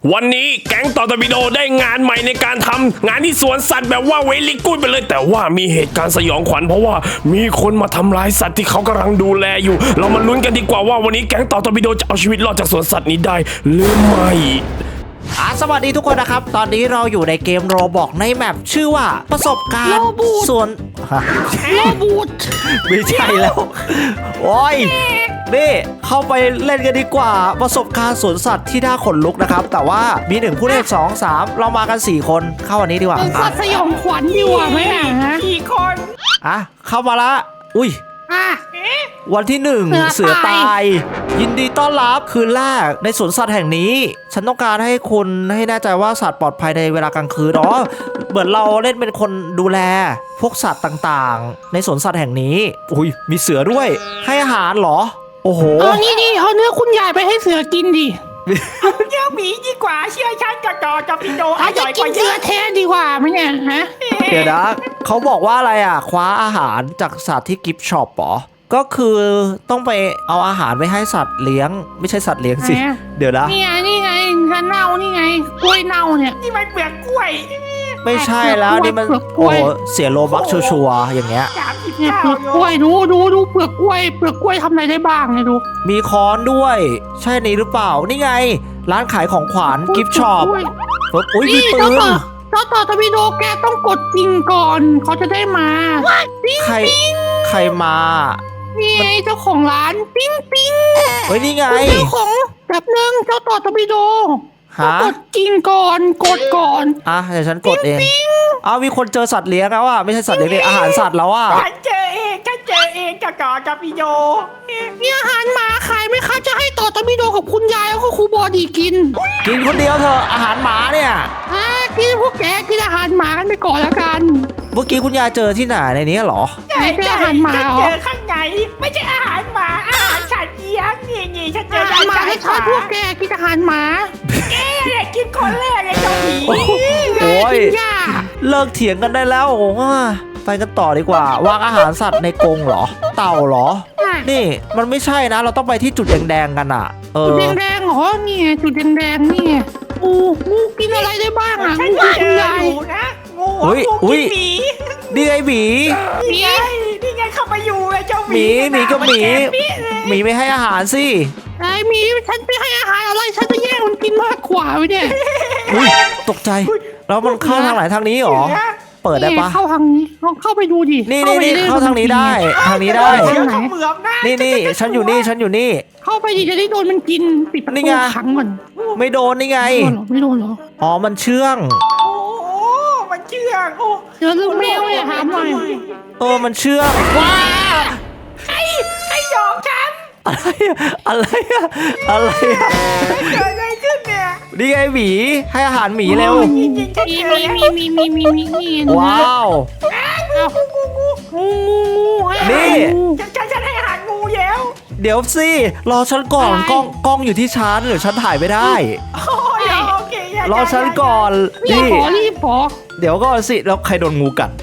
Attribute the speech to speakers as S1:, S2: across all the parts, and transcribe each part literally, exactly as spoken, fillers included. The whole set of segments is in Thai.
S1: วันนี้แก๊งต่อตบิโดได้งานใหม่ในการทำงานที่สวนสัตว์แบบว่าเวลิกูดไปเลยแต่ว่ามีเหตุการณ์สยองขวัญเพราะว่ามีคนมาทำร้ายสัตว์ที่เขากำลังดูแลอยู่ เรามาลุ้นกันดีกว่าว่าวันนี้แก๊งต่อตบิโดจะเอาชีวิตรอดจากสวนสัตว์นี้ได้หรือไม่
S2: อ่ะสวัสดีทุกคนนะครับตอนนี้เราอยู่ในเกมโรบอกในแมปชื่อว่าประสบการณ์ส่วน
S3: โรบูท
S2: ไม่ใช่แล้วโอ้ยนี่เข้าไปเล่นกันดีกว่าประสบการณ์สวนสัตว์ที่น่าขนลุกนะครับแต่ว่ามีหนึ่งผู้เล่นสองสามเรามากันสี่คนเข้าวันนี้ดีกว่า
S3: สัตว์สยองขวัญดีกว่าไหมอ่ะ
S4: กี่คน
S2: อ่ะเข้ามาละอุ้ย
S3: อ่ะ
S2: วันที่หนึ่งเสือตายยินดีต้อนรับคืนแรกในสวนสัตว์แห่งนี้ฉันต้องการให้คุณให้แน่ใจว่าสัตว์ปลอดภัยในเวลากลางคืนอ๋อเหมือนเราเล่นเป็นคนดูแลพวกสัตว์ต่างๆในสวนสัตว์แห่งนี้อุ้ยมีเสือด้วยให้อาหารเหรอโอ้โห
S3: เอานี่ดิเอาเนื้อคุณยายไปให้เสือกินดิ
S4: เอาเนื้อหมีดีกว่าเชื่อฉันกับจอกับพี่โดอร่อยกว่าเยอะ
S3: แท้ดีกว่าไหมเนี่ยฮะ
S2: เดี๋ยวนะเขาบอกว่าอะไรอ่ะคว้าอาหารจากสัตว์ที่กิฟต์ช็อปเหรอก็คือต้องไปเอาอาหารไปให้สัตว์เลี้ยงไม่ใช่สัตว์เลี้ยงสิเดี๋ยวนะ
S3: นี่ไงนี่ไงฉันเน่านี่ไงกล้วยเน่าเนี่ย
S4: นี่มันเปลือกกล้วย
S2: ไม่ใช่แล้วนี่มันโอ้โหเสียโลบักชัวร์ๆอย่างเงี้ย
S3: เนี่ยเปลือกกล้วยดูดูดูเปลือกกล้วยเปลือกกล้วยทำอะไรได้บ้างเนี่ยดู
S2: มีค้อนด้วยใช่นี่หรือเปล่านี่ไงร้านขายของขวัญกิฟต์ช็อปอุ้ยมีปืน
S3: เจ้าต่อทวีโดแกต้องกดจริงก่อนเขาจะได้มา
S2: ใครใครมา
S3: นี่ไงเจ้าของร้านปิ้งปิ้ง
S2: เฮ้ยนี่ไง
S3: เจ้าของแบบนึงเจ้าต่อทวีโดกดจริงก่อนกดก่อน
S2: อ่ะเดี๋ยวฉันกดเองอ้าวมีคนเจอสัตว์เลี้ยงแล้วอ่ะไม่ใช่สัตว์เลี้ยงอาหารสัตว์แล้วอ่ะ
S4: ฉันเจอเองฉันเจอเองกับจอกับพี่โด
S3: มีอาหารหมาขายไหมคะจะให้ต่อทวีโดกับคุณยายแล้วก็ครูบอดีกิน
S2: กินคนเดียวเถอะอาหารหมาเนี่ย
S3: อ่ะกินพวกแกกินอาหารหมากันไปก่อนแล้วกัน
S2: เมื่อกี้คุณยายเจอที่ไหนในนี้เหรอ
S4: ใช่เจออาหารหมาเจอข้างในไม่ใช่อาหารหมาอาหารสัตว์เลี้ยงนี่นี่ฉันเจออาหารหมา
S3: ให้ชอบพวกแกกินอาหารหมา
S4: แกเนี่ยกินคนแรกเลยเจ้าหมี
S2: โอ้ยเลิกเถียงกันได้แล้วโอ้ไปกันต่อดีกว่าวางอาหารสัตว์ในกรงเหรอเต่าเหรอนี่มันไม่ใช่นะเราต้องไปที่จุดแดงๆกันอ่ะ
S3: เออจุดแดงๆเหรอนี่จุดแดงๆนี่งูงูกินอะไรได้บ้างอ่ะงู
S4: คุณยายนะงูงูกินหมี
S2: นี่ไงหมี
S4: นี่ไงนี่ไงเข้ามาอยู่เลยเจ้าหมี
S2: หมีก็หมีหมีไม่ให้อาหารสิ
S3: ไอ้หมีฉันไปให้อาหารอะไรฉันจะแย่งมันกินมากกว่าไว้เนี่ย
S2: ตกใจแล้วมันเข้าทางไหนทางนี้หรอเปิดได้ปะ
S3: เข้าทางนี้ลองเข้าไปดูดิ
S2: นี่นี่นี่เข้าทางนี้ได้ทางนี้ได้นี่นี่ฉันอยู่นี่ฉันอยู่นี่
S3: เข้าไปดิจะได้โดนมันกินปิดประตูขังมัน
S2: ไม่โดนนี่ไง
S3: ไม่โดนหรอ
S2: อ๋อมันเชื่อง
S4: โอ้มันเชื่องโอ้
S3: เดี๋ยวลูกแมวเนี่ยถามหน่อย
S2: เออมันเชื่องว้า
S4: ไอ้ไอ้ยอมฉัน
S2: อะไรอะไรอะไร
S4: เกิดอะไรขึ้นเนี่ย
S2: นี่ไงหมีให้อาหารหมีเร็ว
S3: มีมีมีมีมีมีมีมี
S2: ว้าว
S4: งูงูงู
S2: นี่
S4: ฉันฉันให้อาหารงูแล้ว
S2: เดี๋ยวสิรอฉันก่อนกล้องกล้องอยู่ที่ฉันหรือฉันถ่ายไม่ได้รอฉันก่อน
S3: รีบขอรีบขอ
S2: เดี๋ยวก่อนสิแล้วใครโดนงูกัด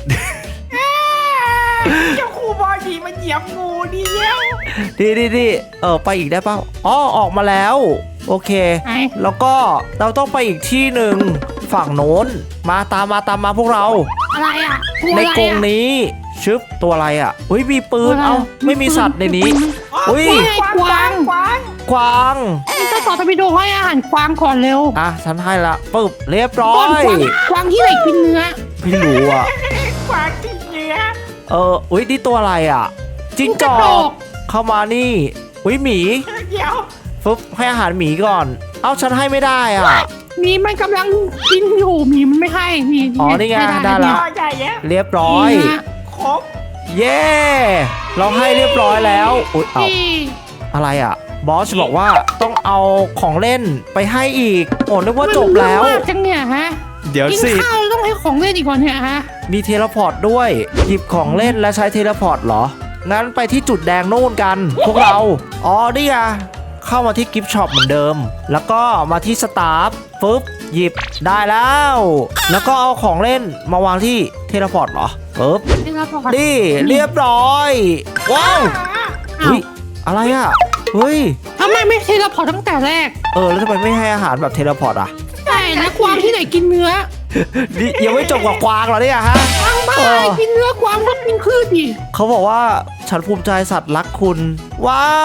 S4: เจ้าครูบอดีมันเหยียบงูดีแล้ว
S2: ดีดีดีเออไปอีกได้เปล่าอ๋อออกมาแล้วโอเคแล้วก็เราต้องไปอีกที่หนึ่งฝั่งโน้นมาตามมาตามมาพวกเรา
S3: อะไรอ่ะ
S2: ในกรงนี้ชึบตัวอะไรอ่ะอุ้ยมีปืนเอ้าไม่มีสัตว์ในนี้อุ้ย
S3: กวาง
S4: กวาง
S2: กวาง
S3: เจ้าต่อทวีโดให้อาหารกวางก่อนเร็ว
S2: อ่ะฉันให้ละปึ๊บเรียบร้อย
S3: กวางที่ไหนกินเนื้อ
S2: ไม่รู้อ่ะ
S4: กวางกินเนื้อ
S2: เอออุ้ยนี่ตัวอะไรอ่ะจิ้งจอกเข้ามานี่อุ้ยหมี
S4: เดี๋ยว
S2: ปึ๊บให้อาหารหมีก่อนเอ้าฉันให้ไม่ได้อ่ะ
S3: หมีมันกำลังกินอยู่หมีมันไม่ให้นี่
S2: อ๋อนี่ไงได้แล้วเรียบร้อย
S4: ครบ
S2: เย้เราให้เรียบร้อยแล้วอุ๊ยเอาอะไรอ่ะบอสบอกว่าต้องเอาของเล่นไปให้อีกโอ้นึกว่าจบแล้ว
S3: จังเนี่ยฮะ
S2: เดี๋ยวสิ
S3: กินข้าวต้องให้ของเล่นอีกก่อนเนี่ยฮะ
S2: มีเทเลพอร์ตด้วยหยิบของเล่นและใช้เทเลพอร์ตเหรองั้นไปที่จุดแดงโน่นกันพวกเราอ๋อนี่ไงเข้ามาที่กิฟต์ช็อปเหมือนเดิมแล้วก็มาที่สตาฟปึ๊บหยิบได้แล้วแล้วก็เอาของเล่นมาวางที่เทเลพอร์ตเหรอปึ๊บนี่เรียบร้อยว้าวเฮ้ยอะไรอ่ะเฮ้ย
S3: ทำไมไม่เทเลพอร์ตตั้งแต่แรก
S2: เออแล้วทำไมไม่ให้อาหารแบบเทเลพอร์ตอ่ะ
S3: แล้วกวางที่ไหนกินเนื้อ
S2: นี่ยังไม่จบกับกวางเหรอเนี่ยฮะ
S3: กวางบ้า
S2: เออ
S3: กินเนื้อกวางก็กินพืชดิ
S2: เขาบอกว่าฉันภูมิใจสัตว์รักคุณ ว้าว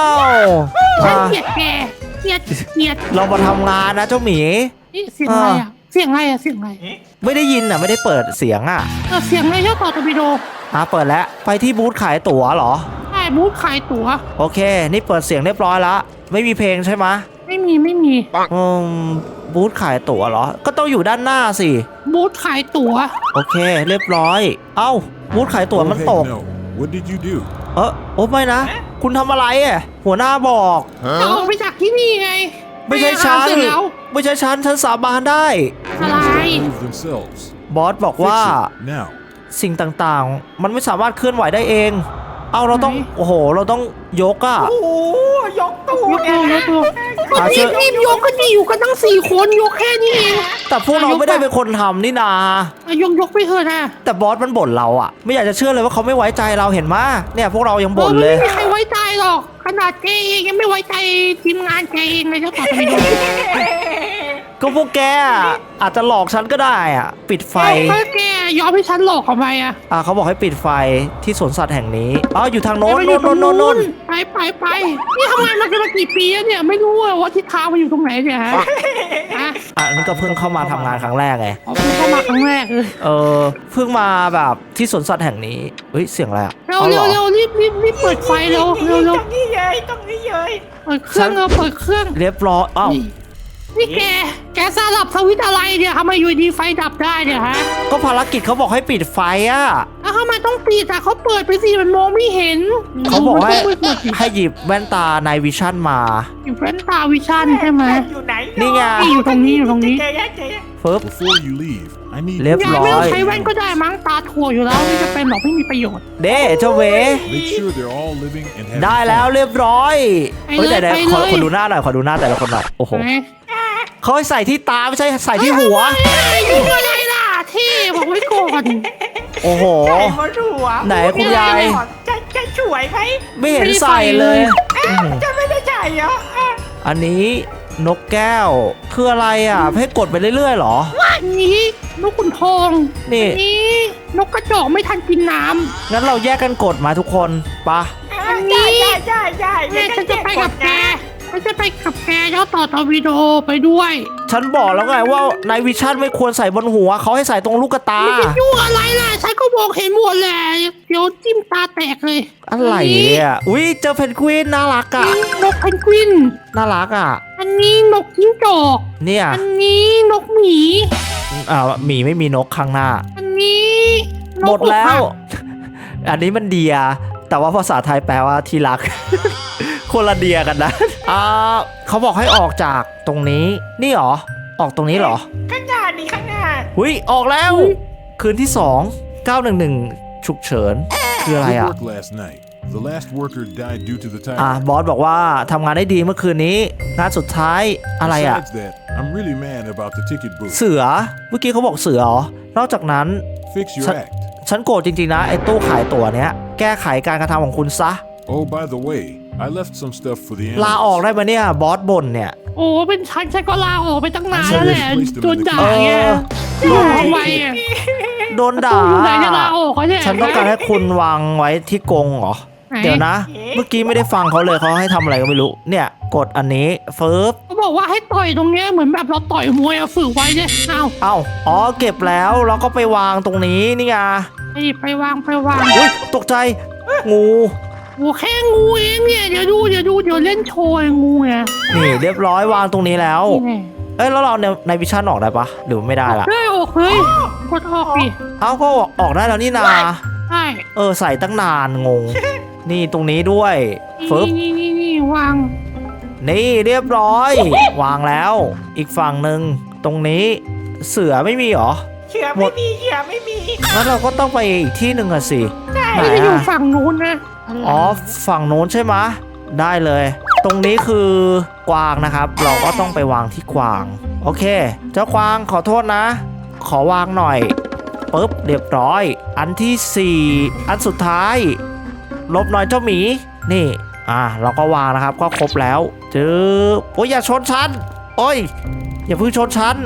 S3: ฉัน
S2: อ่ะ
S3: เกลียดแกเกลียดเกลียด
S2: เรามาทำงานนะเจ้าหมี
S3: นี่เสียงอะไรอ่ะเสียงอะไรอ่ะเสียงอะไร
S2: ไม่ได้ยินอ่ะไม่ได้เปิดเสียงอ่ะ
S3: เออเสียงอะไรเจ้าต่อตะบิโด
S2: อ่ะเปิดแล้วไปที่บูธขายตั๋วเหรอ
S3: ใช่บูธขายตั๋ว
S2: โอเค นี่เปิดเสียงเรียบร้อยแล้วไม่มีเพลงใช่ไหมะ
S3: ไม่มีไม่มี
S2: อืมบูธขายตั๋วเหรอ ก็ต้องอยู่ด้านหน้าสิ
S3: บูธขายตั๋ว
S2: โอเค เรียบร้อย เอ้าบูธขายตั๋วมัน
S5: Oh,
S2: ต
S5: heck
S2: ก
S5: no. What did you do?
S2: เออโอ้ไม่นะ คุณทำอะไรอ่ะหัวหน้าบอก
S3: เราออกไปจากที่นี่ไง
S2: ไม่ใช่ฉัน
S3: ปอาหารเสร็จแล้ว
S2: ไม่ใช่ฉันฉันสาบานได้
S3: อะไร
S5: Move themselves.
S2: บอสบอก
S5: Fix
S2: ว่า
S5: it now.
S2: สิ่งต่างๆ มันไม่สามารถเคลื่อนไหวได้เอง เอาเราต้อง
S3: ไหน
S2: โอ้โห เราต้องยกอะ
S4: โอ้โหยกตู้
S3: ยก
S4: เนี่
S3: ตั
S4: ยว
S3: ย
S4: นะ
S3: กตัวก็รีบรีบยกก็ดีอยู่กันตั้งสี่คนยกแค่นี้เอง
S2: แต่พวกเราไม่ได้เป็นคนทำนี่นา
S3: อ่ะยกยกไปเถอะนะ
S2: แต่บอสมันบ่นเราอะไม่อยากจะเชื่อเลยว่าเขาไม่ไว้ใจเราเห็นมาเนี่ยพวกเรายังบ่น
S3: ออ
S2: เลย
S3: ไม่มีใครไว้ใจหรอกขนาดแกเองยังไม่ไว้ใจทีมงานแกเองเลยเจ้าต่อตะบิโด
S2: ก็พวกแกอะอาจจะหลอกฉันก็ได้อะปิดไฟ
S3: เออแกยอมให้ฉันหลอกทำไมอ่ะ
S2: อ่าเขาบอกให้ปิดไฟที่สวนสัตว์แห่งนี้อ๋ออยู่ทางโน้น
S3: ไป
S2: โน้นโน้นโน้นโน้น
S3: ไปไปไปนี่ทำงานมากันมากี่ปีแล้วเนี่ยไม่รู้อะว่าทิศทางมันอยู่ตรงไหนเนี่ยฮะฮะ
S2: อ่ะนี่ก็เพิ่งเข้ามาทำงานครั้งแรกไง
S3: เอาเพิ่งเข้ามาครั้งแรกเลย
S2: เออเพิ่งมาแบบที่สวนสัตว์แห่งนี้เฮ้ยเสียงอะไรอะ
S3: เร็ว
S2: อาห
S3: เร็
S2: อ
S3: วเร็วรีบรีบรีบเปิดไฟเร็วเร็วเร็ว
S4: ตรงนี้เลยตรงนี้เลย
S3: เปิดเครื่องเร็วเปิดเครื่อง
S2: เรียบร้อยอ้าว
S3: นี่นี่แกแกสลับสวิตช์อะไรเนี่ยทำไมอยู่ดีไฟดับได้เนี่ยฮะ
S2: ก็ภารกิจเขาบอกให้ปิดไฟอ่ะ
S3: แล้วทำไมต้องปิดอ่ะเขาเปิดไปสิมันมองไม่เห็น
S2: เขาบอกให้
S3: มันต้องมืดๆสิ
S2: ให้หยิบแว่นตาในวิชั่นมา
S3: อยู่เฟรนตาวิชั่นใช่ไหม
S4: อยู่ไหน
S2: นี่ไง
S3: นี่อยู่ตรงนี้อยู่ตรงนี้
S4: เจ๊ยะเจ๊ยะ
S2: ฟึบ
S5: Before you leave, I need
S2: เรียบ
S3: ยาย
S2: ร้
S3: ไม่
S2: อ
S3: ต้อง
S2: ย
S3: ใช้แว่นก็ได้มั้งตาถั่วอยู่แล้วไม่จะเป็นหรอกไม่มีประโยชน์
S2: เด้เจ้าเว
S5: make sure they're all living and having
S2: ได้แล้ว
S5: fun.
S2: เรียบร้อย
S3: ไป
S2: เฮ้ย
S3: เลย
S2: แต่
S3: ไป
S2: ๆขอ
S3: เลย
S2: ขอดูหน้าหน่อยขอดูหน้าแต่ละคนหน่อยโอ้โห
S3: ไหน
S2: เขาให้ใส่ที่ตาไม่ใช่ใส่ที่หัว
S3: เอ้ยยุ่งอะไรล่ะที่บอกไว้ก่อน
S2: โอ้โห
S4: ใส่หมดหัว
S2: ไหนคุณยาย
S4: จะจะช่วยไหม
S2: ไม่เห็นใส่เลยอื้อหือ
S4: จะไม่ได้ใส่เหรออ่ะ
S2: อันนี้นกแก้วคืออะไรอ่ะให้กดไปเรื่อยๆเหรอ
S3: อันนี้นกขุนทอง
S2: นี่
S3: อันี้นกกระจอกไม่ทันกินน้
S2: งั้นเราแยกกันกดมาทุกคนปะ
S3: อันนี้
S4: ได้ได้ได้
S3: ำ
S4: ได้
S3: แม่ฉันจะไปกับแกฉันจะไปกับแกเจ้าต่อตอร์ปิโดไปด้วย
S2: ฉันบอกแล้วไงว่าในวิชั่นไม่ควรใส่บนหัวเขาให้ใส่ตรงลูกตา
S3: ไม่จะยุ่งอะไรล่ะฉันก็มองเห็นหมดแหละเดี๋ยวจิ้มตาแตกเลย
S2: อะไรอ่ะอุ้ยเจอเพนกวินน่ารักอ่ะ
S3: อันนี้นกเพนกวิน
S2: น่ารักอ่ะ
S3: อันนี้นกจิ้งจอก
S2: เนี่ย
S3: อันนี้นกหมี
S2: อ่าหมีไม่มีนกข้างหน้า
S3: อันนี้นก
S2: หมดแล้ว
S3: อกหัก
S2: อันนี้มันเดีย แต่ว่าภาษาไทยแปลว่าที่รัก คนละเดียกันนะอ่าเขาบอกให้ออกจากตรงนี้ นี่เหรอ ออกตรงนี้เหรอ
S4: ข้างหน้านี่ข้างหน้า
S2: หุยออกแล้ว คืนที่สองเก้าหนึ่งหนึ่งฉุกเฉิน คืออะไร
S5: Good
S2: อ่ะ
S5: work last night. The last worker died due to the
S2: อ่ะ
S5: tiger.
S2: บอสบอกว่าทำงานได้ดีเมื่อคืนนี้งานสุดท้ายอะไรอ่ะ
S5: Besides that, I'm really mad about the ticket booth.
S2: เสือ เมื่อกี้เขาบอกเสือเหรอ นอกจากนั้น
S5: Fix your
S2: Sa-
S5: act.
S2: ฉันโกรธจริงๆนะไอ้ตู้ขายตั๋วเนี้ย แก้ไขการกระทำของคุณซะ
S5: Oh, by the way, I left some stuff for the
S2: ลาออก
S5: animals.
S2: ได้ไหมเนี่ย บอสบ่นเนี่ย
S3: โอ้เป็นฉันฉันก็ลาออกไปตั้งนาน
S5: ฉั
S3: แล้ว
S5: น
S3: แหละ
S5: เลย
S3: โดนด่า
S2: เอ
S3: ไง
S2: อ
S3: ลาออกไปอ่ะ
S2: โดนด่า
S3: อยู่ไหนจะลาออกเขาเนี่ย
S2: ฉันต้องการให้คุณวางไว้ที่กรงเหรอ
S3: ไหน
S2: เดี๋ยวนะ เมื่อกี้ไม่ได้ฟังเขาเลยเขาให้ทำอะไรก็ไม่รู้ เนี่ย กดอันนี้เฟิร์บ
S3: เขาบอกว่าให้ต่อยตรงเนี้ยเหมือนแบบเราต่อยมวยอะฝึกไว้เนี่ยเอา
S2: เอ้า อ๋อ เก็บแล้วแล้วก็ไปวางตรงนี้นี่ไง
S3: ไปดิไปวางไปวาง
S2: อุ้ยตกใจ งู
S3: โอ้แค่งูเองเนี่ยเดี๋ยวดูเดี๋ยวดูเดี๋ยวเล่นโชว์ไอ้งูไง
S2: นี่เรียบร้อยวางตรงนี้แล้ว
S3: นี่ไง
S2: เอ้ยแล้วเราในในวิชั่นออกได้ปะหรือไม่ได้ละ
S3: เฮ้ยออกเฮ้ยกดออกดิ
S2: เอ้าก็ออกได้แล้วนี่นา
S3: ใช่
S2: เออใส่ตั้งนานงง นี่ตรงนี้ด้วยฟึบ
S3: นี่นี่นี่วาง
S2: นี่เรียบร้อย วางแล้ว อีกฝั่งหนึ่งตรงนี้ เสือไม่มีเหรอ
S4: เชื่อไม่มีเชื่อไม่มี
S2: งั้นเราก็ต้องไปอีกที่หนึ่งอะสิ
S4: ใช่
S2: ไหน
S3: ไม่ได้อยู่
S2: อะ
S3: ฝั่งนู้นนะะไร
S2: อ๋อฝั่งโน้นใช่ไหมะได้เลย ตรงนี้คือกวางนะครับ เราก็ต้องไปวางที่กวาง โอเค เจ้ากวางขอโทษนะ ขอวางหน่อยปุ๊บเรียบร้อย อันที่สี่อันสุดท้ายลบหน่อยเจ้าหมี นี่ อ่ะเราก็วางนะครับ ก็ครบแล้วจือโอ้ยอย่าชนฉันโอ้ย อย่าเพิ่งชนฉัน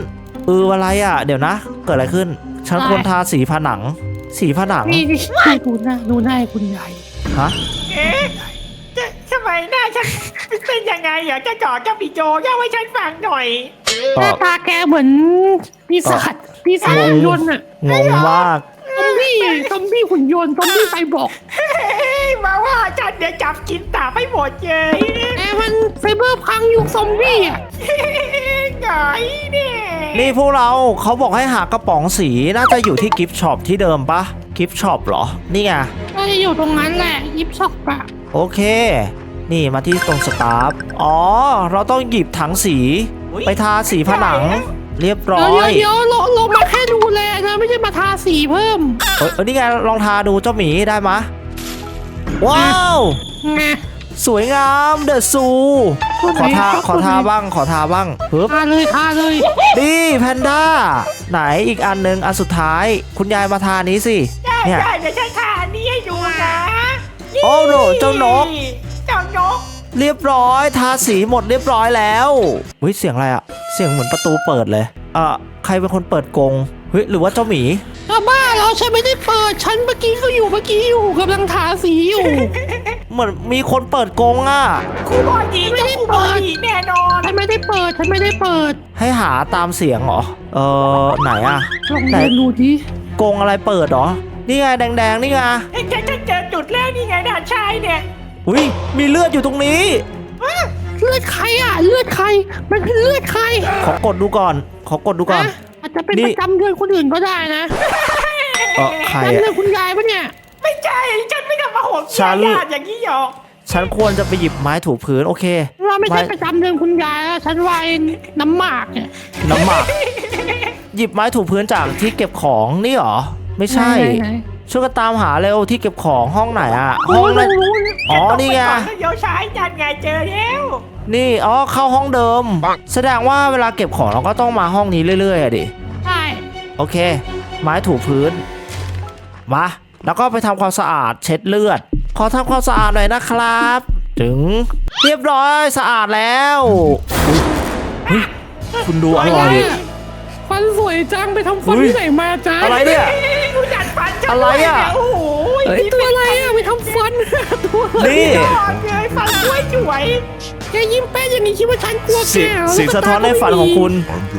S2: เอออะไรอ่ะ เดี๋ยวนะ เกิดอะไรขึ้น ฉันควรทาสีผนัง สีผนัง
S3: นี่ดูหน้าดูหน้าให้คุณยาย
S2: ฮะ
S4: เอ๊ะจะทำไมหน้าฉันเป็นยังไงอยากจะจอดเจ้าปีโจเล่าให้ฉันฟังหน่อย
S3: หน้าตาแกเหมือนปีศาจปีศาจหุ่นยนต์อะ
S2: งงมาก
S3: ซอมบี้ซอมบี้หุ่นยนต์ซอมบี้ไซบอร์ก
S4: เฮ้ยมาว่าฉันเดี๋ยวจับกินตาไม่หมดเลย
S3: แต่มันไซเบอร์พังยุคซอมบี้อ่ะ
S4: ไงเนี่ย
S2: นี่พวกเราเขาบอกให้หากระป๋องสีน่าจะอยู่ที่กิฟต์ช็อปที่เดิมปะกิฟต์ช็อปเหรอ นี่ไง
S3: ก็จะอยู่ตรงนั้นแหละยิบช็อกอะ
S2: โอเค นี่มาที่ตรงสตาฟอ๋อ เราต้องหยิบถังสี ไปทาสีผนัง เรียบร้อ
S3: เดี๋ยวย เดี๋ยวเราเรามาแค่ดูแลนะไม่ใช่มาทาสีเพิ่ม
S2: เอยเอยนี่ไงลองทาดูเจ้าหมีได้มะ ว้าว
S3: ไง
S2: สวยงามเดอะซู ขอทาขอทาบ้างขอทาบ้างปึ๊บ
S3: ทาเลยทาเลย
S2: ดีแพนด้า ไหนอีกอันหนึ่งอันสุดท้าย คุณยายมาทานี้สิ
S4: ได้
S2: เนี่ย
S4: ได้เดี๋ยวฉันทาอันนี้ให้ดูนะ
S2: โอ้โหเจ้านก
S4: เจ้านก
S2: เรียบร้อยทาสีหมดเรียบร้อยแล้วเฮ้ยเสียงอะไรอะเสียงเหมือนประตูเปิดเลยเอ่ะใครเป็นคนเปิดกรงเฮ้ยหรือว่าเจ้าหมี
S3: ถ้าบ้าเราฉันไม่ได้เปิดฉันเมื่อกี้ก็อยู่เมื่อกี้อยู่กำลังทาสีอยู่
S2: เหมือนมีคนเปิดกรงอะ
S4: ครูบอดี
S3: ไม่
S4: เจ้า
S3: ได้
S4: ครูบ
S3: เปิ
S4: อ
S3: ด
S4: ดีแน่นอน
S3: ฉันไม่ได้เปิดฉันไม่ได้เปิด
S2: ให้หาตามเสียงเหรอเออไหนอะ
S3: ลองเดินดูดิ
S2: กรงอะไรเปิดเหรอนี่ไงแดงๆนี่ไง
S4: เอ้ยฉันจะเจอจุดแรกนี่ไงด่านชายเนี่ย
S2: อุ้ยมีเลือดอยู่ตรงนี้
S3: เลือดใครอ่ะเลือดใครมันคือเลือดใคร
S2: ขอกดดูก่อน ขอกดดูก่อน
S3: นะอาจจะเป็น
S2: นี่
S3: ประจำเดือนคนอื่นก็ได้นะ
S2: เออใคร
S3: ประจำเดือ
S2: อะ
S3: นคุณยายปะเนี่ย
S4: ไม่ใช่ฉันไม่ทำมาโหด
S2: ฉัน
S4: ญาติอย่างนี้หรอก
S2: ฉันควรจะไปหยิบไม้ถูพื้นโอเค
S3: เราไม่ใช่
S2: ไม่
S3: ประจำเดือนคุณยายแล้วฉันว่าไอ้น้ำหมากเนี่ย
S2: น้ำหมัก หยิบไม้ถูพื้นจากที่เก็บของนี่เหรอไม่ใช่
S3: ไหน
S2: ช่วยกันตามหาเร็วที่เก็บของห้องไหนอะ
S3: ๆ
S2: ห้อง
S3: รู้
S2: นั้น
S3: รู้
S2: อ๋อนี่ไง
S4: แกต้องปก่อแล้วเดี๋ยวชายจันไงเจอแล้ว
S2: นี่อ๋อเข้าห้องเดิม แสดงว่าเวลาเก็บของเราก็ต้องมาห้องนี้เรื่อยๆอะดิ
S3: ใช่
S2: โอเค ไม้ถูพื้นมาแล้วก็ไปทำความสะอาดเช็ดเลือด ขอทำความสะอาดหน่อยนะครับ ถึงเรียบร้อยสะอาดแล้วอุ๊ยเฮ้ยคุณดูอะไร
S3: เนี่ยฟันสวยจังไปทำฟัน
S2: อุ๊ย
S3: ที่ไหนมาจ้า
S2: อะไรเนี่ย
S4: รู้จักฟันฉัน
S2: อะไรอะ
S4: ด้วยเนี่ยโอ้โห
S2: เฮ้ย
S3: ตัวอะไรอ่ะไปทำฟัน ตัวอะไร
S2: นี่
S4: ยอดเลยฟันสวยสวย
S3: แกยิ้มแป้นอย่างนี้คิดว่าฉันกลัวแก
S2: เสียง
S3: เหรอ
S2: เสียงสะท้อนในฝันของคุณ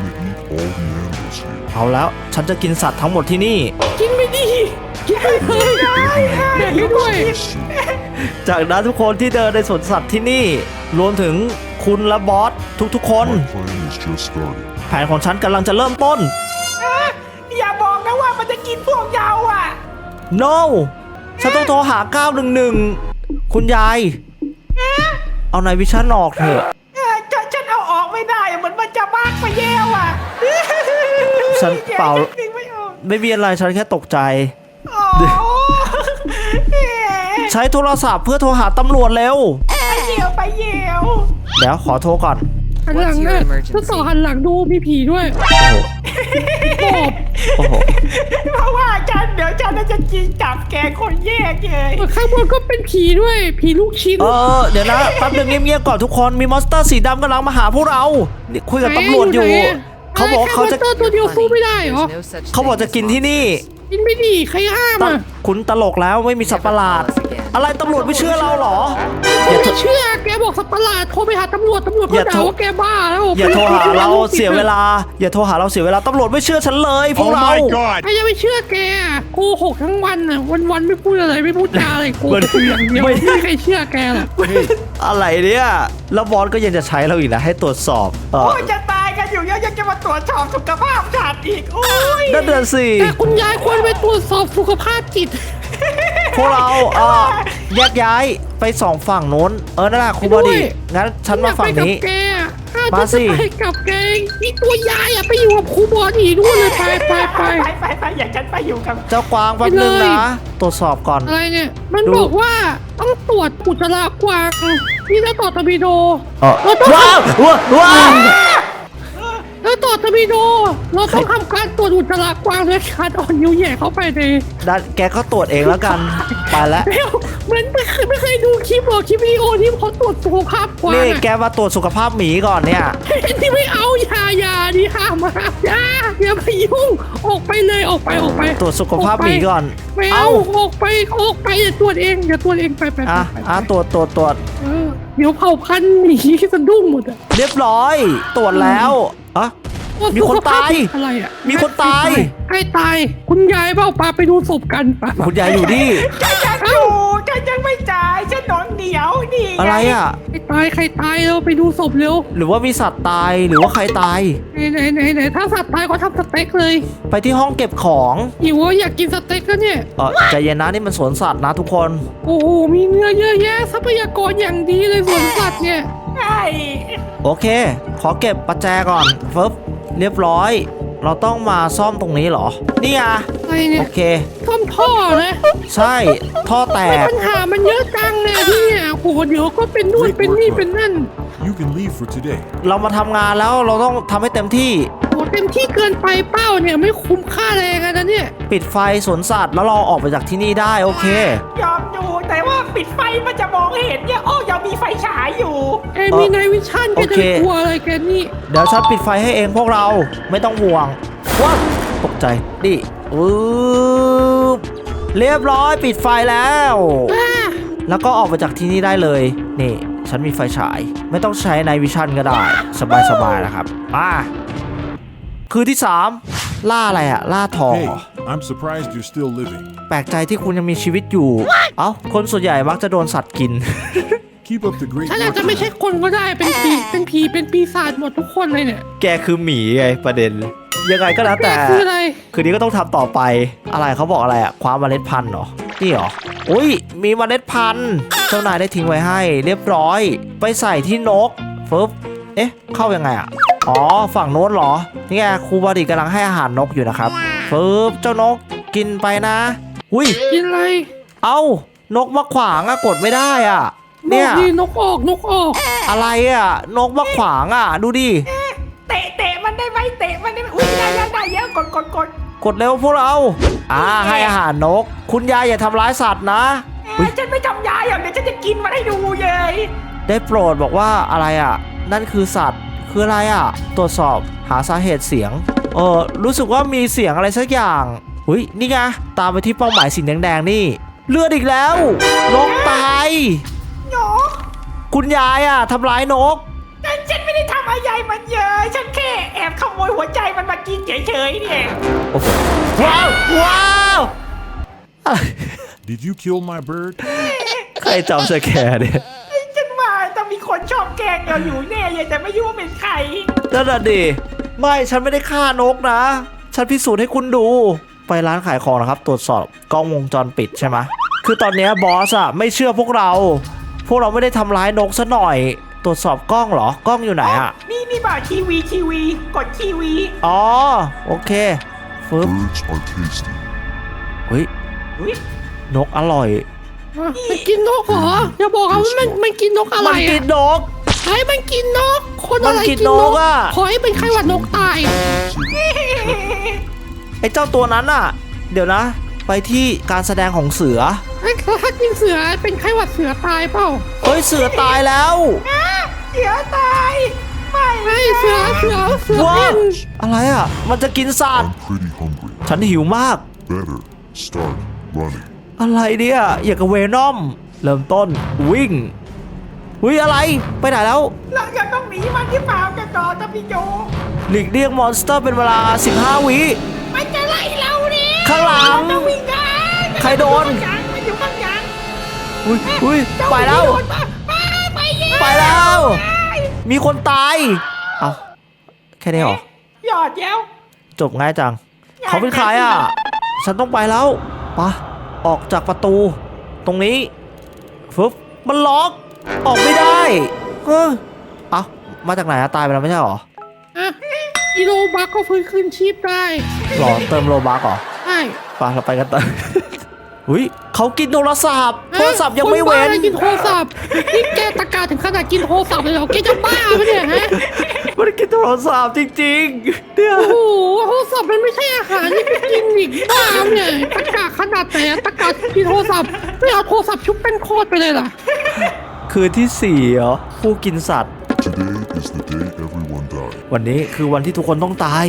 S5: I'm gonna eat all the animals here.
S2: เอาแล้วฉันจะกินสัตว์ทั้งหมดที่นี่
S3: กินไม่ดีกินไม่เลยแบ่งให้ด้วย
S2: จากนั้นทุกคนที่เดินในสวนสัตว์ที่นี่ รวมถึงคุณและบอสทุกๆคน
S5: My plan has just started.
S2: แผนของฉันกำลังจะเริ่มต้น
S4: อย่าบอกนะว่ามันจะกินพวกเราอ่ะ
S2: no ฉันต้องโทรหาเก้าหนึ่งหนึ่งคุณยาย เอานายวิชั่นออกเถอะ
S4: เออฉันฉันเอาออกไม่ได้อะเหมือนมันจะมากไปแย่ว่ะ
S2: ฉันเปล่า
S4: ฉันดึงไม่ออก
S2: ไม่มีอะไรฉันแค่ตกใจ
S4: อ๋อเอ๊ะ
S2: ใช้โทรศัพท์เพื่อโทรหาตำรวจเร็ว
S4: ไปเหี่ยวไปเหี่ยว
S2: เดี๋ยวขอโทรก่อน
S3: หันหลังอ่ะถ้าต่อหันหลังดูมีผีด้วย
S2: โอ้โห
S3: ปอบ
S2: โอ้โห
S4: เพราะว่าฉันเดี๋ยวฉันน่าจะกินจับแกคนแยกเลย
S3: ข้างบนก็เป็นผีด้วย ผีลูกชิ้น
S2: เออเดี๋ยวนะแป๊บหนึงเงียบๆก่อนทุกคนมีมอนสเตอร์สีดำกำลังมาหาพวกเรานี่คุยกับตำรวจอยู่ เขาบอกว่าเขาจะ
S3: แค่มอนสเตอร์ตัวเดียวสู้ไม่ได้เหรอ
S2: เขาบอกจะกินที่นี่
S3: กินไม่ดีใครห้าม
S2: ต
S3: อ่ะ
S2: คุณตลกแล้วไม่มีสัตว์ประหลาด อะไรตำรวจไม่เชื่อเราเหรอ
S3: ผมไม่เชื่อแกบอกสัตว์ประหลาดโทรไปหาตำรวจตำรวจ
S2: อ
S3: ก็
S2: ย่าโท
S3: ด่าร ว่าแกบ้าแล้ว
S2: อย่าโทรหาเราเสียเวลา อย่าโทรหาเราเสียเวลาตำรวจไม่เชื่อฉันเลยพวก
S5: Oh
S2: เรา
S5: my god!
S3: ใครจะไปเชื่อแกอะโกหกทั้งวันอ่ะวันวันๆไม่พูดอะไรไม่พูดจาอะไรโกหกอย่างเดียว
S2: ไม่
S3: ไม่มีใครเชื่อแกหรอก
S2: อะไรเนี่ยแล้วบอสก็ยังจะใช้เราอีกนะให้ตรวจสอบเออ
S4: โอ้ยจะตายกันอยู่แล้วยังจะมาตรวจสอบสุขภาพฉันอีกโอ้ย
S2: นั่นเดือนสี่
S3: แต่คุณยายควรไปตรวจสอบสุขภาพจิต
S2: พวกเราเออแยกย้ายไปสองฝั่งโน้นเออนั่นแหละครูบอดีงั้นฉันมาฝั่งนี้
S3: อยากไปกับแกอะถ้า
S2: มา
S3: จะ
S2: สิ
S3: ไปกับแกนี่ตัวยายอ่ะไปอยู่กับครูบอดีด้วยเลยไปไปไป
S4: ไปไปไปอยากฉันไปอยู่กับ
S2: เจ้ากวางแป๊บนึง
S3: ไปเลย
S2: นะ ตรวจสอบก่อน
S3: อะไรเนี่ย มัน
S2: ดู
S3: บอกว่าต้องตรวจอุจจาระกวางนี่ถ้าต่อตะบิโด
S2: เออว้าวว้าวว้าว
S3: แล้วต่อตะบิโด เราต้องทำการตรวจอุจจาระกวางด้วยการอ่อนนิ้วแหย่เข้าไปใน
S2: ดันแกก็ตรวจเองแล้วกัน ไปแล้ว
S3: เร็วเหมือนไม่เคยไม่เคยดูคลิปหรอกคลิปวิดีโอที่เขาตรวจสุขภาพกวาง
S2: นี่
S3: อะ
S2: แกมาตรวจสุขภาพหมีก่อนเนี่ย
S3: ที่ไม่เอาอย่าอย่าดิห้ามมาอย่าอย่าไปยุ่งออกไปเลยออกไปออกไป
S2: ตรวจสุขภาพหมีก่อน
S3: ไม่เอาออกไปออกไปอย่าตรวจเองอย่าตรวจเองไปไป
S2: อ่ะ
S3: ไป
S2: อ่ะตรวจตรวจตรวจ
S3: เออเดี๋ยวเผาพันธุ์หมีสะดุ้งหมดอ่ะ
S2: เรียบร้อย ตรวจแล้วอ่ะ มีคนตาย
S3: อะไรอ่ะ
S2: มีคนตาย
S3: ใครตายคุณยายเปล่าปาไปดูศพกันปะ
S2: คุณยายอยู่นี่
S4: ฉันยังอยู่ฉันยังไม่จ่ายฉันนอนเดียวนี่ง
S2: อะไรอ่ะ
S3: ใครตายใครตายเราไปดูศพเร็ว
S2: หรือว่ามีสัตว์ตายหรือว่าใครตาย
S3: ไหนไหนไหนไหนถ้าสัตว์ตายก็ทำสเต็กเลย
S2: ไปที่ห้องเก็บของ
S3: หิวอะอยากกินสเต็กแล้วเนี่ย
S2: เออใจเย็นนะนี่มันสวนสัตว์นะทุกคน
S3: โอ้โหมีเนื้อเยอะแยะทรัพยากรอย่างดีเลยสวนสัตว์เนี่ย
S4: ใช่
S2: โอเค ขอเก็บประแจก่อนฟึบเรียบร้อย เราต้องมาซ่อมตรงนี้เหรอ นี่อ่ะ
S3: อะไรเนี่
S2: โอย เค
S3: ท่อมท่อนะ
S2: ใช่ ท่อแต
S3: ไม่
S2: ก
S3: ปัญหามันเยอะจังเนี่ยที่เนี่ยโอ้โหเดี๋ยวก็เป็นนู่นเป็นนี่เป็นนั่น
S5: You can leave for today.
S2: เรามาทำงานแล้วเราต้องทำให้เต็มที่
S3: โอ้เต็มที่เกินไปเป้าเนี่ยไม่คุ้มค่าแรงอะนะเนี่ย
S2: ปิดไฟสวนสัตว์แล้วเราออกไปจากที่นี่ได้โอเค
S4: ยอมอยู่แต่ว่าปิดไฟมันจะมองเห็นเนี่ยโอ้ยังมีไฟฉายอยู่
S3: แกมีนายวิชั่นแก
S2: โอ
S3: จะ
S2: เค
S3: กลัวอะไรแกนี่
S2: เดี๋ยวฉันปิดไฟให้เองพวกเราไม่ต้องห่วงว้าวตกใจดิอือเรียบร้อยปิดไฟแล้ว
S3: อ่า
S2: แล้วก็ออกมาจากที่นี่ได้เลย นี่ ฉันมีไฟฉาย ไม่ต้องใช้ในวิชั่นก็ได้ สบายๆนะครับอ่าคืนที่สามล่าอะไรอะล่าทอง
S5: Hey,
S2: เหรอ
S5: I'm surprised you're still living.
S2: แปลกใจที่คุณยังมีชีวิตอยู่ เอ้า คนส่วนใหญ่มักจะโดนสัตว์กิน
S5: Keep up the great
S3: ฉันอาจ
S5: work.
S3: จะไม่ใช่คนก็ได้เป็นผีเป็นผีเป็นปีศาจหมดทุกคนเลยเนี่ย
S2: แกคือหมีไงประเด็น ยังไงก็แล้ว
S3: แก
S2: แต่
S3: คืออะไร
S2: คืนนี้ก็ต้องทำต่อไป อะไรเขาบอกอะไรอะคว้าเมล็ดพันธุ์เหรอ นี่เหรอ อุ้ย มีเมล็ดพันธุ์ เจ้านายได้ทิ้งไว้ให้ เรียบร้อย ไปใส่ที่นกฟึบเอ๊ะ เข้ายังไงอะอ๋อ ฝั่งโน้นเหรอ นี่ไงครูบาดีกำลังให้อาหารนกอยู่นะครับฟึบเจ้านกกินไปนะ อุ้ย
S3: กินอะไร
S2: เอ้านกมาขวางอะกดไม่ได้อะเนี่ย
S3: นกดีนกออกนกออก
S2: อะไรอะนกมาขวางอะดูดิ
S4: เตะเตะมันได้ไหมเตะมันได้ไหมอุ้ยได้ได้ได้เยอะกดกดกด
S2: กดเร็วพวกเรา อ่าให้อาหารนก คุณยายอย่าทำร้ายสัตว์นะ
S4: เอ้ยฉันไม่ทำยาอย่างเดี๋ยวฉันจะกินมันให้ดูเลย
S2: ได้โปรดบอกว่าอะไรอ่ะ นั่นคือสัตว์คืออะไรอ่ะ ตรวจสอบหาสาเหตุเสียง เออรู้สึกว่ามีเสียงอะไรสักอย่างหุยนี่ไงตามไปที่เป้าหมายสีแดงๆนี่ เลือดอีกแล้ว นกตาย
S4: โย
S2: คุณยายอ่ะทำร้ายนก
S4: ฉันฉันไม่ได้ทำอะไรมันเยอะฉันแค่แอบขโมยหัวใจมันมากินเฉยๆเนี่ย
S2: โอ้โหว้าวว้าวอะไร
S5: Did you kill my bird?
S2: ใครจำสแกร์เนี่ย
S4: ฉันว่าต้องมีคนชอบแกล้งเราอยู่แน่เลยแต่ไม่รู้ว่าเป็นใคร
S2: นั่นน่ะดิไม่ฉันไม่ได้ฆ่านกนะ ฉันพิสูจน์ให้คุณดู ไปร้านขายของนะครับ ตรวจสอบกล้องวงจรปิดใช่ไหมคือตอนเนี้ยบอสอะไม่เชื่อพวกเรา พวกเราไม่ได้ทำร้ายนกซะหน่อย ตรวจสอบกล้องเหรอกล้องอยู่ไหนอะ
S4: นี่นี่บ่าทีวีทีวีกดทีวี
S2: อ๋อโอเคฟึบ
S6: Birds are tasty.
S2: เฮ้ย
S4: อุ๊ย
S2: นกอร่อย
S3: อ่ะมันกินนกเหรออย่าบอกนะว่ามันมันกินนกอะไร
S2: มันกิ
S3: อ่ะ
S2: นนก
S3: ไอ้มันกินนก คนอะไร
S2: มันกิ
S3: กิ
S2: น
S3: น
S2: น
S3: น
S2: ก
S3: ก
S2: อะ
S3: ขอให้เป็นไข้หวัดนกตาย
S2: ไอ้เจ้าตัวนั้นอะเดี๋ยวนะ ไปที่การแสดงของเสือ
S3: ไอ้ถ้ากินเสือเป็นไข้หวัดเสือตายเปล่า
S2: เฮ้ยเสือตายแล้ว
S4: เสือตายไม่
S3: ไอ้เสือเสือเสือ
S2: ว้า
S3: เป็
S2: วน อะไรอะมันจะกินสัตว์
S6: I'm pretty hungry.
S2: ฉันหิวมาก
S6: Better start running.
S2: อะไรเนี่ยอย่างกับเวนอม เริ่มต้นวิ่งวิ่งอะไรไปไหนแล้ว
S4: เราจะต้องหนีมันที่เปล่ากันต่อจะพี่โจ
S2: หลีกเลี่ยงมอนสเตอร์เป็นเวลาสิบห้าวิ
S4: มันจะไล่เราเนี่ย
S2: ข้างหลัง
S4: ต้องวิ่งได้
S2: ใครโดน
S4: มันอยู่ข้างหลัง
S2: อุ้ยอุ้ยไปแล้ว
S4: ไปไปเย้
S2: ไปแล้ว มีคนตาย เอาแค่นี้เหรอ
S4: หยอดเย้ว
S2: จบง่ายจัง เขาเป็นใครอ่ะ ฉันต้องไปแล้วปะออกจากประตู ตรงนี้ฟึบมันล็อก ออกไม่ได้เฮ้ยเอามาจากไหนอะตายไปแล้วไม่ใช่เหรอ
S3: อ่ะอีโรบักก็ฟื้นคืนชีพได้
S2: หรอเติมโลบักเหรอ
S3: ใช่
S2: ไปเราไปกันต่อ อุ้ยเขากินโทรศัพท์โทรศัพท์ยังไม่
S3: ค
S2: เว้
S3: บ้าน อะไรกินโทรศัพท์นี่แกตะการถึงขนาดกินโทรศัพท์เลยเหรอแกจะบ้าปะเนี่ยฮะ
S2: มันกินโทรศัพท์จริงๆเนี่ย
S3: โอ้โหโทรศัพท์มันไม่ใช่อาหารนี่ไปกินอีกบ้าเนี่ยตะการขนาดไหนอะตะการกินโทรศัพท์ไม่เอาโทรศัพท์ชุบเป็นโคตรไปเลยล่ะ
S2: คืนที่สี่เหรอผู้กินสัตว์
S6: Today is the day everyone died.
S2: วันนี้คือวันที่ทุกคนต้องตาย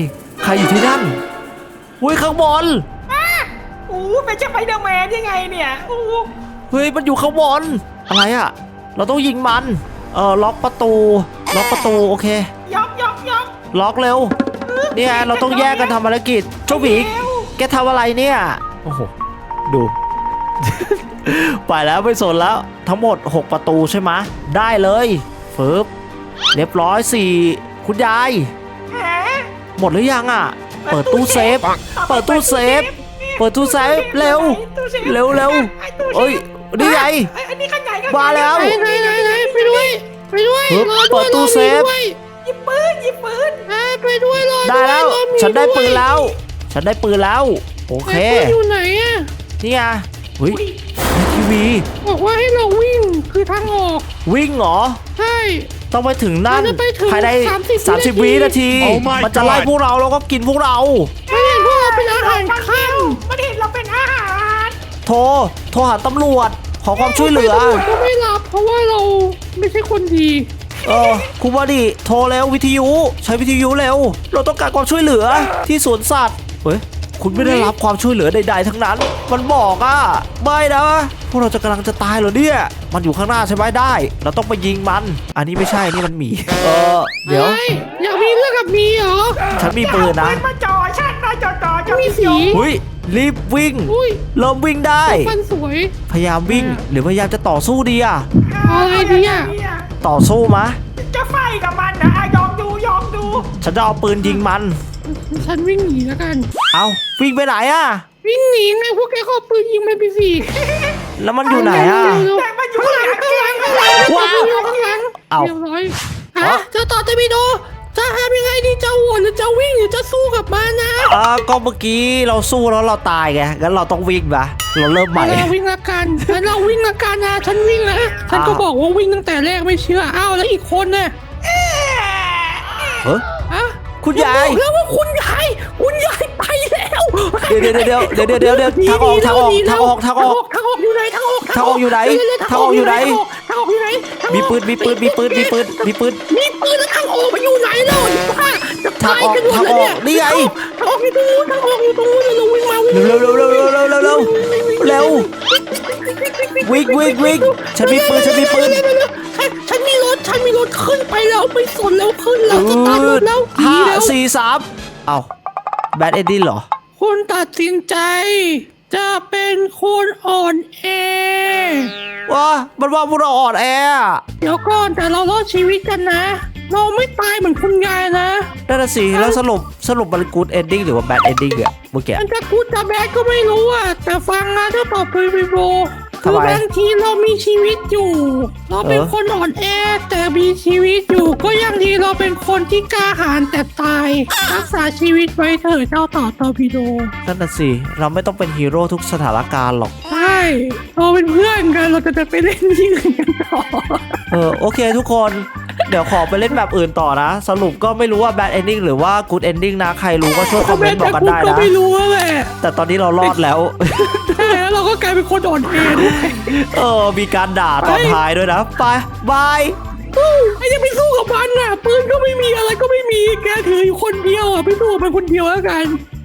S2: ใครอยู่ที่นั่นอุ้ยข้างบน
S4: โอ้เป็นสไปเดอร์แมนยังไงเนี่ยโอ้
S2: เฮ้ยมันอยู่ข้างบนอะไรอะเราต้องยิงมันเออล็อกประตูล็อกประตูโอเค
S4: ยอกยอกยอก
S2: ล็อกเร็วเนี่ยเราต้องแยกกันทำภารกิจเจ้าหมีแกทำอะไรเนี่ยโอ้โหดู ไปแล้วไม่สนแล้วทั้งหมดหกประตูใช่ไหมได้เลยฟึบเรียบร้อยสี่คุณยาย
S4: แหม
S2: หมดหรือยังอ่ะ เปิดตู้เซฟ เปิดตู้เซฟ เปิดตู้เซฟเร็ว เร็วเร็วเอ้ยนี่ไง
S4: ไอ้อันนี้ข้างในข้งใน
S2: มาแล้ว
S3: ไหนไหนไหนไหนไปด้วยไปด้วย
S2: เฮ้ย
S3: รอ
S2: เปิ
S3: ด้วย
S2: ดตู้
S3: รอ
S2: เซฟ
S3: ด้วย
S4: หยิบปืนหยิบปืน
S3: อ่าไปด้วยรอ
S2: ได้แล้ว
S3: รอมี
S2: ฉันได้ปืน
S3: วย
S2: แล้ว ฉันได้ปืนแล้ว โอ
S3: ไหน
S2: เค
S3: ปืนอยู่ไหนอ่ะ
S2: นี่ไงเฮ้ยในทีวี
S3: บอกว่าให้เราวิ่งคือทางออก
S2: วิ่งเหรอ
S3: ใช่
S2: ต้องไปถึงนั่น
S3: เราจะไปถึง
S2: ภายใน
S3: สามสิบ
S2: สามสิบ
S3: วิ
S2: วิ
S3: นา
S2: นา
S3: ที
S2: ที
S1: Oh my
S2: มันจะไล่
S1: God
S2: พวกเราแล้วก็กินพวกเรา
S3: ไม่เห็นพวกเราเป็นอาหารข้าม
S4: มันเห็นเราเป็นอาหาร
S2: โทร โทรหาตำรวจ ขอความช่วยเหลือ
S3: ตำรวจก็ไม่รับเพราะว่าเราไม่ใช่คนดี
S2: เออคุณบอดี้โทรเร็ววิทยุ ใช้วิทยุเร็ว เราต้องการความช่วยเหลือที่สวนสัตว์เฮ้ยคุณไม่ได้รับความช่วยเหลือใดๆทั้งนั้น มันบอกอ่ะไม่นะพวกเราจะกำลังจะตายเหรอเนี่ยมันอยู่ข้างหน้าใช่ไหมได้ เราต้องไปยิงมัน อันนี้ไม่ใช่นี่มันหมีเออเดี๋ยว
S3: อะไรอยากมีเรื่องกับมีเหรอ
S2: ฉันมีปืนนะ
S4: เอาปืมาจ่อฉันมาจ่อจ่อจ่อ
S3: มีสี
S2: อุ้ยรีบวิ่ง
S3: อุ้ย
S2: เริ่มวิ่งได้
S3: ฟันสวย
S2: พยายามวิ่งหรือพยายามจะต่อสู้ดีอ่ะ
S3: เอาอะไรดีอะ
S2: ต่อสู้มะ
S4: จะไฟกับมันนะอ่ะยอมดูยอมดู
S2: ฉันจะเอาปืนยิงมัน
S3: ฉันวิ่งหนีแล้วกัน
S2: เอาวิ่งไปไหนอ่ะ
S3: วิ่งหนีไงพวกแกก็เอาปืนยิงมันไปสิ
S2: แล้วมันอยู่ไหนอ่ะ
S4: แต่มันอยู่
S3: ข้างหลัง
S4: ข้างหลัง
S3: ข้างหลังข้างหลัง
S2: ว้าว
S3: อยู่ข้างหลัง
S2: เอา
S3: เรียบร้อยฮะเจ้าต่อเตมิโดจะทำยังไงดีจะโหวนหรือจะวิ่งหรือจะสู้กับมันนะ
S2: อ่าก็เมื่อกี้เราสู้แล้วเราตายไงงั้นเราต้องวิ่งปะเราเริ่มใหม่
S3: เราวิ่งละกันแล้วเราวิ่งละกันนะฉันวิ่งนะฉันก็
S2: อ้าว
S3: บอกว่าวิ่งตั้งแต่แรกไม่เชื่ออ้าวแล้วอีกคนน่ะ
S2: เฮ้ย
S3: ฮะ
S2: คุณยาย
S3: บอกแล้วว่าคุณยายคุณยายไปแล้ว
S2: เดี๋ยวเดี๋ยวเดี๋ยวเดี๋ยวเดี๋ยวเดี๋ยวเดี๋ยวทางออกทางออกทางออกทางออก
S3: ทางออกอยู่ไหนทางออก
S2: ทางออกอยู่ไหน
S3: เร็วๆ
S2: ทางออกอยู่ไหน
S3: ทางออกอยู่ไหนทางออก
S2: มีปืนมีปืนมีปืนมีปืนมีปืน
S3: มีปืนแล้วทางออกมาอยู่ไหนแล้วป้าจะตายกันหมดแล้วเนี่ย
S2: ทางออกนี่ไง
S3: ทางออกอยู่ตรงนู้นทางออกอยู่ตรงนู้นเราวิ่งมาวิ่ง
S2: เร็วเร็วเร็วเร็วเร็วเร็วเร็วเร็ววิ่งวิ่งวิ่งฉันมีปืนฉันมีปืน
S3: ฉันฉันมีรถฉันมีรถขึ้นไปแล้วไม่สนแล้วขึ้นแล้วสตาร์ทรถแล้วหนี
S2: ห้า
S3: แล้ว
S2: สี่สามเอาแบดเอ็ดดี้เหรอ
S3: คุณตัดสินใจ จะเป็นคนอ่อนแอ
S2: ว้ามันว่าพวกเราอ่อนแออะ
S3: เดี๋ยวก่อนแต่เรารอดชีวิตกันนะ เราไม่ตายเหมือนคุณยายนะ
S2: นั่นน่ะสิแล้วสรุปสรุปมันกูดเอนดิ้งหรือว่าแบดเอนดิ้งอะเมื่อกี้
S3: มันจะกูดจะแบดก็ไม่รู้อ่ะ แต่ฟังนะถ้าตอบไปวิโบ
S2: ทำ
S3: คื
S2: ไม
S3: อบางทีเรามีชีวิตอยู่ เราเป็น
S2: เออ
S3: คนอ่อนแอ แต่มีชีวิตอยู่ก็ยังดีเราเป็นคนที่กล้าหาญแต่ตาย รักษาชีวิตไว้เถอะเจ้าต่อตอร์ปิโด
S2: นั่นน่ะสิเราไม่ต้องเป็นฮีโร่ทุกสถานการณ์หรอก
S3: ใช่เราเป็นเพื่อนกันเราจะจะไปเล่นที่อื่นกันต่อ
S2: เออโอเคทุกคนเดี๋ยวขอไปเล่นแบบอื่นต่อนะ สรุปก็ไม่รู้ว่าแบดเอนดิ้งหรือว่ากูดเอนดิ้งนะ ใครรู้ก็ช่วยคอมเมนต์บอกกันได้
S3: ก็
S2: นะ
S3: ไม่รู้แหละ
S2: แต่ตอนนี้เรารอดแล้ว
S3: ใช่แล้วเราก็กลายเป็นคนอ่อนแอด้วย
S2: เออ มีการด่าตอนท้ายด้วยนะ ไป บาย
S3: ไอ้ยังไปสู้กับมันน่ะปืนก็ไม่มีอะไรก็ไม่มีแกถืออยู่คนเดียวอ่ะไปสู้กับมันคนเดียวแล้วกัน